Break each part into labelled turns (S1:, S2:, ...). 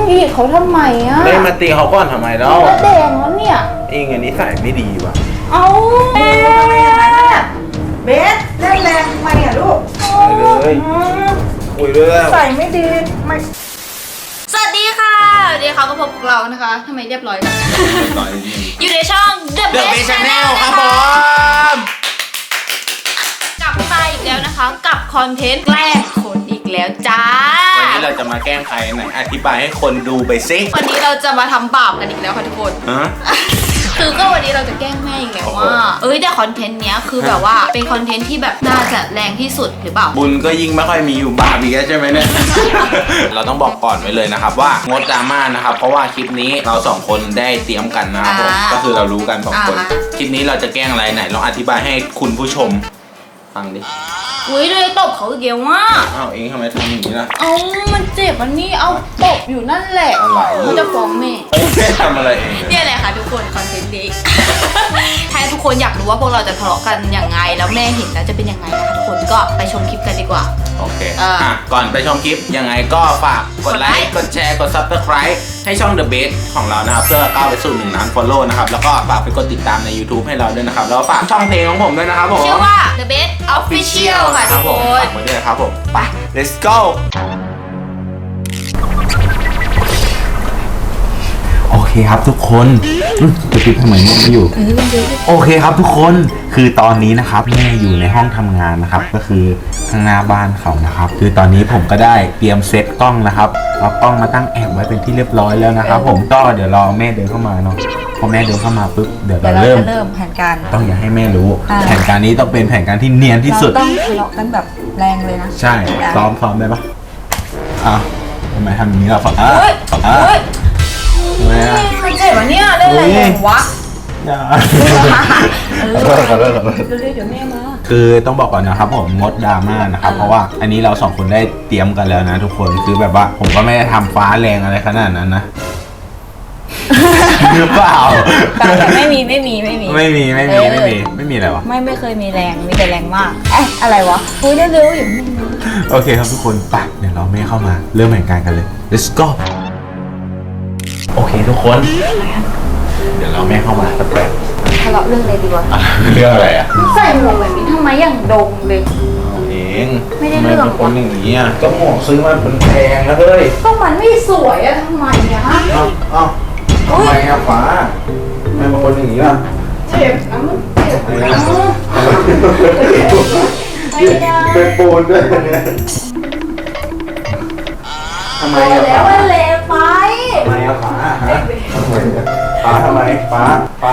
S1: อีกเขาทำไมอ่ะ
S2: ไม่มาตีเขาก่อนทำไมแล้ว
S1: ก็แดงแล้วเนี่ย
S2: เองอันนี้ใส่ไม่ดีว่ะ
S1: เอา
S3: เบสทำไมอย่างนั้นน่ะเบสเล่นแรงทำไมอ่ะลูก
S2: ไปเลยคุยด้วยแล้ว
S3: ใส่ไม่ดีไม่
S1: สวัสดีค่ะเดี๋ยวเขาก็พบกับเรานะคะทำไมเรียบร้อยกันอยู่ในช่อง The Best Channel
S2: ครับผม
S1: กลับมาอีกแล้วนะคะกับคอนเทนต์แกล้งคนอีกแล้วจ้า
S2: วันนี้เราจะมาแกล้งใครไหนอธิบายให้คนดูไปสิ
S1: วันนี้เราจะมาทำบาปกันอีกแล้วค่ะทุกคนคือก็วันนี้เราจะแกล้งแม่อีกแล้วว่าแต่คอนเทนต์เนี้ยคือแบบว่าเป็นคอนเทนต์ที่แบบน่าจะแรงที่สุดหรือเปล่า
S2: บุญก็ยิ่งไม่ค่อยมีอยู่บาปอีกแล้วใช่ไหมเนี่ย เราต้องบอกก่อนไว้เลยนะครับว่างดดราม่านะครับเพราะว่าคลิปนี้เราสองคนได้เตรียมกันนะครับผมก็คือเรารู้กันสองคนคลิปนี้เราจะแกล้งอะไรไหนลองอธิบายให้คุณผู้ชมฟังดิ
S1: เลยตบเขาเกี่ยวว่า
S2: อ้าวเองทำไมทำอย่างนี้ล่ะ
S1: มันเจ็บมันนี่เอาตบอยู่นั่นแหละเขาจะฟ้องแม่
S2: แม่ทำอะไรเอง
S1: เนี่ยแหละค่ะทุกคนคอนเทนต์นี้ ถ้าทุกคนอยากรู้ว่าพวกเราจะทะเลาะกันยังไงแล้วแม่เห็นแล้วจะเป็นยังไงนะคะทุกคนก็ไปชมคลิปกันดีกว่า
S2: โอเคก่อนไปชมคลิปยังไงก็ฝากกดไลค์กดแชร์กด Subscribe ให้ช่อง The Best ของเรานะครับเพื่อก้าวไปสู่1 ล้าน Follow นะครับแล้วก็ฝากไปกดติดตามใน YouTube ให้เราด้วยนะครับแล้วฝากช่องเพลงของผมด้วยนะครับผม
S1: ชื่อว่า The Best Official ค่ะทุกคน
S2: ฝากไว้ด้วยนะครับผมไป let's go โอเคครับทุกคนจะปิดทำไมเนี่ยไม่อยู่โอเคครับทุกคนคือตอนนี้นะครับแม่อยู่ในห้องทำงานนะครับก็คือข้างหน้าบ้านเขานะครับคือตอนนี้ผมก็ได้เตรียมเซตกล้องนะครับเอากล้องมาตั้งแอบไว้เป็นที่เรียบร้อยแล้วนะครับผมก็เดี๋ยวรอแม่เดินเข้ามาเนาะพอแม่เดินเข้ามาปุ๊บเดี๋ยวเราเริ่ม
S3: แผนการ
S2: ต้องอย่าให้แม่รู้แผนการนี้ต้องเป็นแผนการที่เนียนที่สุด
S3: ต้องทะเลาะกันแบบแรงเลยนะ
S2: ใช่ซ้อมได้ปะทำไมทำอย่างนี้ล่ะ
S1: มันเจ็บวะเนี่ยเล่นอะไรวะ
S2: อย่าเดี๋ยวแม่มาคือต้องบอกก่อนนะครับผมงดดราม่านะครับเพราะว่าอันนี้เราสองคนได้เตรียมกันแล้วนะทุกคนคือแบบว่าผมก็ไม่ได้ทำฟ้าแรงอะไรขนาดนั้นนะหรือเปล่า
S3: ไม่มี
S2: อะไรวะ
S3: ไม่เคยมีแรงมีแต่แรงมากอะไรวะคุยได้เร็วอย่างนี้
S2: โอเคครับทุกคนไปเดี๋ยวเราแม่เข้ามาเริ่มแผนการกันเลย let's go โอเคทุกคนเดี๋ยวเราแม่เข้ามาสักแป๊บ
S1: ทะเลาะเรื่องอะไรดีวะ
S2: เรื่องอะไรอ่ะ
S1: ใส่หมวกแบบนี้ทำไมอย่างดงเลย
S2: เอง
S1: ไม่ได้เรื่อง
S2: คนอย่างนี้อ่ะก็หมวกซื้อมาเป็นแพงนะเฮ้ย
S1: ก็มันไม่สวยอะทำไมอะฮะ
S2: ทำไมอะฟ้าไม่บางคนอย่างนี้ล่ะ
S1: เจ็บนะมันเจ็บนะ
S2: เป็นปูนด้วยเนี่ยทำไมอะ
S1: แล้วมันเละไป
S2: ทำไมอะฟ้าทำไมฟ้า
S1: มา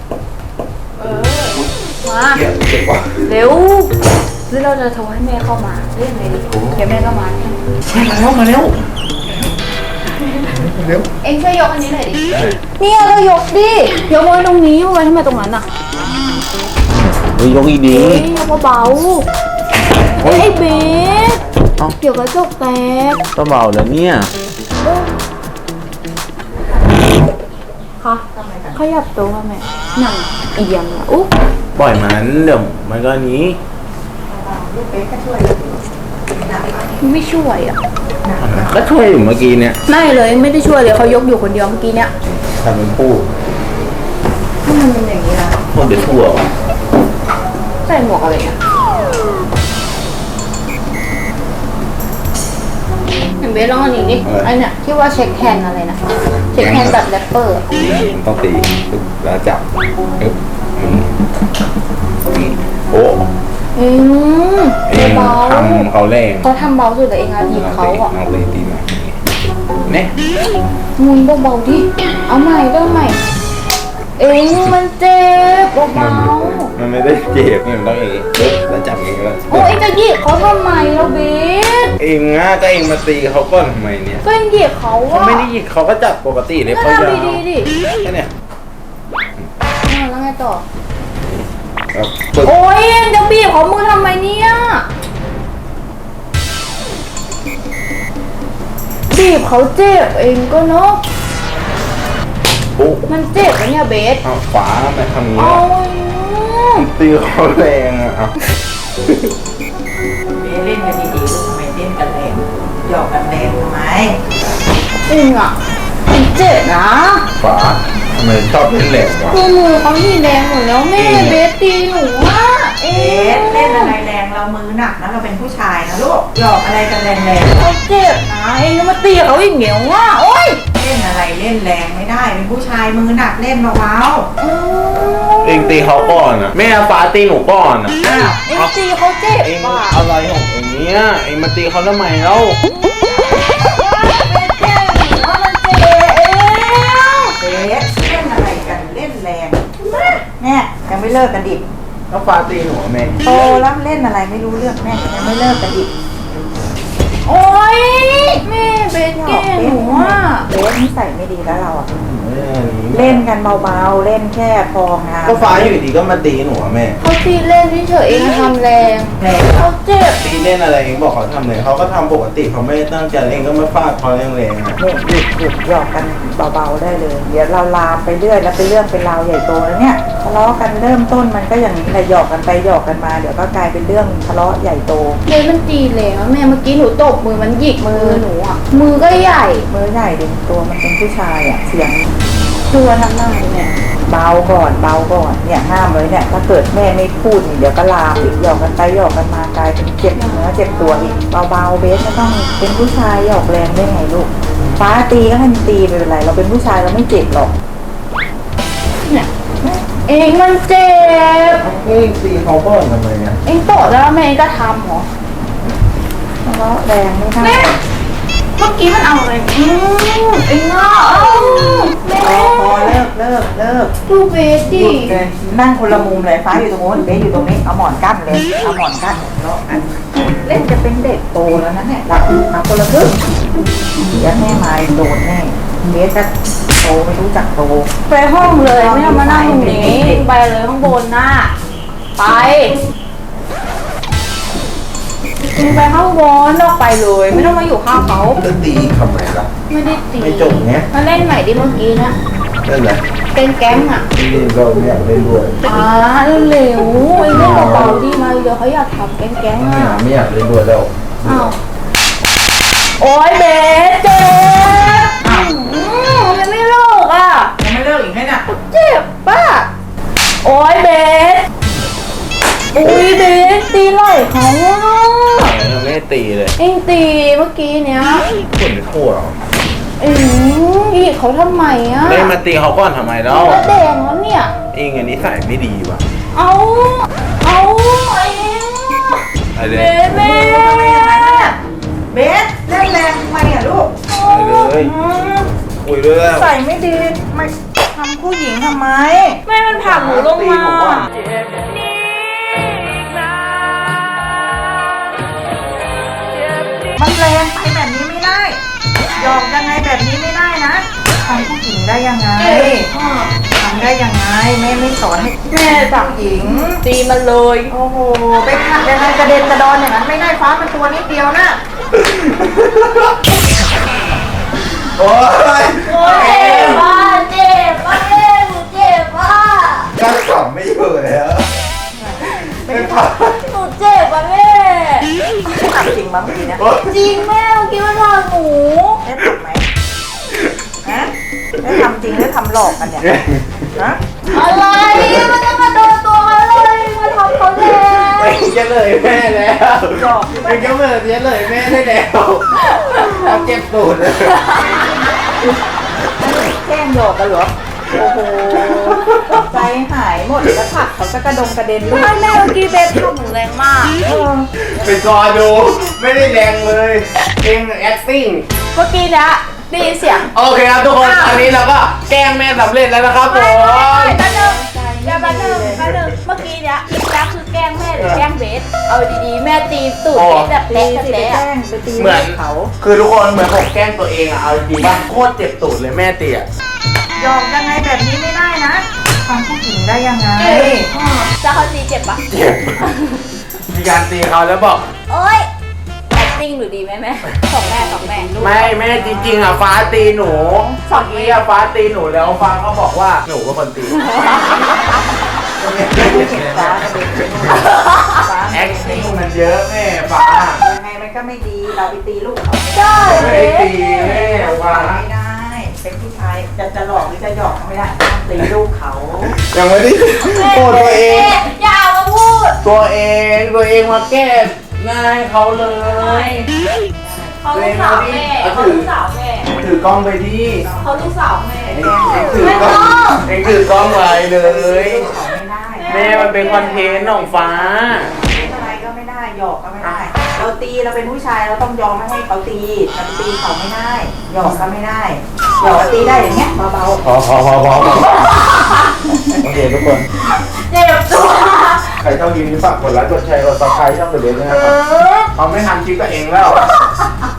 S2: เจ็บกว่า
S1: เร็วหรือเราจะโทรให้แม่เข้ามาเรื่องอะไรดีเดี๋ยวแม่ก็มา
S2: มาเร็ว
S1: เอ็งช่วยยกอันนี้หน่อยดิเนี่ยเรายกดิยกไว้ตรงนี้ไว้ทำไมตรงนั้นอ่ะ
S2: ยกอีดี
S1: ยกเบาไอ้เบสเดี๋ยวกระจกแตก
S2: ก็เบาแล้วเนี่ย
S1: ค่ะขยับตัวแม่หนังเอียงอ่ะอุ๊บ
S2: ปล่อยมันเดี๋ยวมันก็นี้
S1: ไม่ช่วยอ่ะ
S2: ก็ช่วยอยู่เมื่อกี้เนี่ย
S1: ไม่เลยไม่ได้ช่วยเลยเขายกอยู่คนเดียวเมื่อกี้เนี่ย
S2: ทำเป็นปู
S1: ถ้ามันเป็นอย่างนี้นะ
S2: พวกเด็กทั่ว
S1: ใส่หมวกอะไรอ่ะเห็นเบสลองอันนี้ดิอันเนี้ยที่ว่าเช็คแฮนอะไรนะเช็คแฮนแบบแรปเปอร์
S2: ต้องตีแล้วจับโอ้
S1: เบา
S2: ทำเขาแรง
S1: เขาทำเบาสุดแต่เองอาทีเขาอ่ะ
S2: เอาเลยตีมาเนี่ย
S1: มุนเบาๆดิเอาใหม่เริ่มใหม่มันเจ็บเบา
S2: ๆมันไม่ได้เจ็บเนี่ยมันต้องเองแล้วจับเองแล้ว
S1: โอ้ยจะหยิบเขาทำไมเราเบส
S2: เองก็เองมาตีเขาก้อนทำไมเนี่ย
S1: ก็เองหยิบเขา
S2: อะเขาไม่ได้หยิบเขาก็จับปกติเลยเขา
S1: ยาวดีดิ
S2: แค่เนี่ย
S1: แล้วไงต่อโอ้ยจะบีบของมือทำไมเนี่ยบีบเขาเจ็บเองก็เนาะมันเจ็บนะเนี่ยเบส
S2: ขวาไปทำนี้ตีเขาแรงอ่ะ
S3: เล่นกันดีๆทำไมเล่นกันแรงหยอกกันแรงทำไม
S1: จริงอ่ะเจ็บนะ
S2: ฟ้าทำไมชอบเล่นแหลกวะ
S1: คือมือเขาหีแดงหมดแล้วแม่เบสตีหนูอ่ะเอ๊
S3: เบสเล่นอะไรแรงเรามือหนักนะเราเป็นผู้ชายนะลูกหยอกอะไรกันแรงๆ
S1: เขาเจ็บนะเองก็มาตีเขาอีกเหนียวว่ะโอ๊ย
S3: เล่นอะไรเล่นแรงไม่ได้เป็นผู้ชายมือหนักเล่นเบา
S2: เองตีเขาก่อนอ่ะแม่ฟ้าตีหนูก่อนอ่ะ
S3: ๆอ้าว
S1: เองตีเขาเจ็บ
S2: เอง
S1: ว่ะ
S2: อะไรของเองเนี้ยเองมาตีเขาทำไมเล่า
S1: เจ็บว่ามันเจ็บเอง
S3: เบสเล่นอะไรกันเล่นแรงแม่ยังไม่เลิกกันดิ
S2: แล้วฟ้าตีหนูแม่
S3: โตแล้วเล่นอะไรไม่รู้เรื่องแม่ยังไม่เลิกกันดิ
S1: โอ๊ยแม่เบสแกล้งหนูอ่ะ
S3: เบสนิสัยไม่ดีแล้วเราอะเล่นกันเบาๆเล่นแค่พองาน
S2: ก็ฟ้าอยู่ดีก็มาตีหนูอะแม่
S1: เขาตีเล่นเฉยๆเองทำแรง
S3: แรง
S1: เขาเจ็บ
S2: ตีเล่นอะไรเองบอกเขาทำเลยเขาก็ทำปกติเขาไม่ได้ตั้งใจเองก็มาฟาดเขาแรงๆอ่ะ
S3: เนี่ยหยุดหยอกกันเบาๆได้เลย เดี๋ยวเราลามไปเรื่อยแล้วเป็นเรื่องเป็นราวใหญ่โตแล้วเนี่ยทะเลาะกันเริ่มต้นมันก็อย่างนี้แหละหยอกกันไปหยอกกันมาเดี๋ยวก็กลายเป็นเรื่องทะเลาะใหญ่โต
S1: เบสมันตีแรงอะแม่เมื่อกี้หนูตบมือมันหยิกมือหนูอ่ะมือก็ใหญ่
S3: มือใหญ่เด็กตัวมันเป็นผู้ชายอ่ะเสียง
S1: ตัวทำหน้าเนี่ย
S3: เบาก่อนเบาก่อนเนี่ยห้ามเลยเนี่ยถ้าเกิดแม่ไม่พูดนี่เดี๋ยวก็ลามอีกหยอกกันไปหยอกกันมากลายเป็นเจ็บเนื้อเจ็บตัวอีกเบาๆเบสไม่ต้องเป็นผู้ชายหยอกแรงได้ไงลูกฟ้าตีก็ให้มันตีไม่เป็นไรเราเป็นผู้ชายเราไม่เจ็บหรอก
S1: เนี่ยเองมันเจ็บ
S2: เฮ้ยตีเขาก่อนทำไมเนี่ย
S1: เองโตแล้วแม่เองก็ทำเหรอ
S3: ทะเลาะแรงไม่ได้
S1: แม่เมื่อกี้มันเอาอะไรเองอ่ะแม่
S3: พอเลิก
S1: ดูเบส
S3: ห
S1: ดิ
S3: ยุดเลยนั่งคนละมุมเลยฟ้าอยู่ตรงโน้นเบสอยู่ตรงนี้เอาหมอนกั้นเลยเอาหมอนกั้นเลาะกันเล่นจะเป็นเด็กโตแล้วนะเนี่ยเรามาคนละครึ่งเดี๋ยวแม่มาโดนแน่เบสจะโตไม่รู้จักโต
S1: ไปห้องเลยไม่ต้องมานั่งตรงนี้ไปเลยข้างบนน่ะไปเองไปข้างบนออกไปเลยไม่ต้องมาอยู่ข้างเขา
S2: จะตีทำไมล่ะ
S1: ไม่ได้ตี
S2: ไม่จบไง
S1: มาเล่นใหม่ดิเมื่อกี้นะ
S2: นั่นแหละ
S1: เป็นแก๊งอ่ะ
S2: ที่เราไม่อยากเล่นด้วย
S1: เร็วๆไอ้เล่นเบาๆดิมาเดี๋ยวเขาอยากทำแก๊งๆอ่ะ
S2: ไม่อยากเล่นด้วยแล้ว
S1: อ้าวโอ๊ยเบสเจ็บมันไม่เลิกอ่ะ
S3: ยังไม่เลิกอีกไหมเนี่ย
S1: เจ็บป่ะโอ๊ยเบสอุ้ยเบสตีไหล่เขาอ่ะ
S2: ยังไม่ได้ตีเลย
S1: เอ็งตีเมื่อกี้เนี้ย
S2: คนไม่ทั่วหรอ
S1: อีกเขาทำไมอ่ะ
S2: เล่นมาตีเขาก่อนทำไมแล้ว
S1: ก็แดงแล้วเนี่ย
S2: เองอันนี้ใส่ไม่ดีว่ะ
S1: เอาไอ้
S2: ไปเล
S1: เบ
S2: ย
S1: สแม่
S3: เบสเล่นแรงทำไมอ่ะลูก
S2: ไปเลยคุยด้วยแล้ว
S3: ใส่ไม่ดีไม่ทำผู้หญิงทำไม
S1: แม่มันผลักหนูลงมา
S3: มันแรงไปแบบนี้ไม่ได้หยอกยังไงแบบนี้ไม่ได้นะทำผู้หญิงได้ยังไงทำได้ยังไงแม่ไม่สอนให้แม่จับหญิง
S1: ตีมันเลย
S3: โอ้โหไปขัดยังไงกระเด็นกระดอนอย่างนั้นไม่ได้ฟ้ามันตัวนิดเดียวนะ
S2: โอ้ย
S1: โอ๊ยเจ็บป่ะเจ็บป่ะเอ็หนูเจ็บป่ะ
S2: ก็ขำไม่อยู่แล้วไม่ผ่าน
S1: หนูเจ็บป่ะแม่
S3: ทำจริงบ้างเมื่อกี้เนี่ย
S1: จริงแม่เมื่อกี้มันผลักหนู
S3: ได้ทำไหมฮะได้ทำจริงหรือทำหลอกกันเนี่ยฮะ
S1: อะไรมันจะมาโดนตัวเขาเลยมาทำเขาแรง
S2: ไม่จะเลยแม่แล้ว
S3: หยอก
S2: ไม่จะเมื่อจะเลยแม่ได้แล้วเอาเจ็บตูดเลย
S3: แกล้งหยอกกันเหรอโอ้โหใจหายหมดแล้วผักเขาจะกระดงกระเด็นลูก
S1: แม่เมื่อกี้เบสทำหนูแรงมาก
S2: ไปกอดูไม่ได้แรงเลยเอง acting
S1: เมื่อกี้เนี้ยได้ยินเสียง
S2: โอเคครับทุกคนตอนนี้เราก็แกล้งแม่สำเร็จแล้วนะครับผม
S1: แป๊บนึงเดี๋ยวแป๊บนึงเมื่อกี้เนี้ยคลิปแรกคือแกล้งแม่หรือแกล้งเบสเอาดีๆแม่ตีตูดเบสแบบ
S3: ตี
S1: เละ
S3: สิไป
S1: เละ
S3: แกล้งไปตี
S2: เหมือน
S3: เขา
S2: คือทุกคนเหมือนผมแกล้งตัวเองอะเอาจริงๆว่าโคตรเจ็บตูดเลยแม่ตีอะ
S3: หยอกยังไงแบบนี้ไม่ได้นะทำผู้หญิงได้ยังไง
S1: จะเขาตีเจ็บปะ
S2: เจ็บมีการตีเขาแล้วบอก
S1: โอ๊ย acting หรือดีไหมแม่สองแม่ลูก
S2: ไม่แม่จริงๆอะฟ้าตีหนูเมื่อกี้อะฟ้าตีหนูแล้วฟ้าก็บอกว่าหนูเป็นคนตี
S3: ฟ้ากระเด็นไปนู่นฟ้า
S2: แอคติ้งมันเยอะแม่ฟ้า
S3: ยังไงมันก็ไม่ดีเราไปตีลูกเขา
S1: ได้
S2: ไม่ได้ตีแม่วะ
S3: ไม่ได้ เป็นผู้ชายจะหลอกหรือจะหยอกก็ไม่ได้ห้ามตีลูกเขา
S2: ยังไม่ได้โกรธตัวเอง
S1: อย่ามาพูด
S2: ตัวเองมาแก้หน้าให้เขาเลย
S1: เขาลูกสาวแม่เขาลูกสาวแม่
S2: ถือกล้องไปดิ
S1: เขาลูกสาวแม่
S2: เองถือกล้องเองถือกล้องไว้เลย
S3: เขาไม่ได้
S2: แม่มันเป็นคอนเทนต์ของฟ้า
S3: เป็นอะไรก็ไม่ได้หยอกก็ไม่ได้ เราตีเราเป็นผู้ชายเราต้องยอมไม่ให้เขาตีเราไปตีเขาไม่ได้หยอกก็ไม่ได้หยอกตีได้อย่างเงี้ยเบา
S2: พอโอเคทุกคน
S1: เจ็บตัว
S2: ใครชอบคลิปนี้ฝากกดไลค์กดแชร์กดซับสไครต์ช่องเดอะเบสด้วยนะครับเขาไม่ทำคลิปกับเองแล้ว
S3: ๆ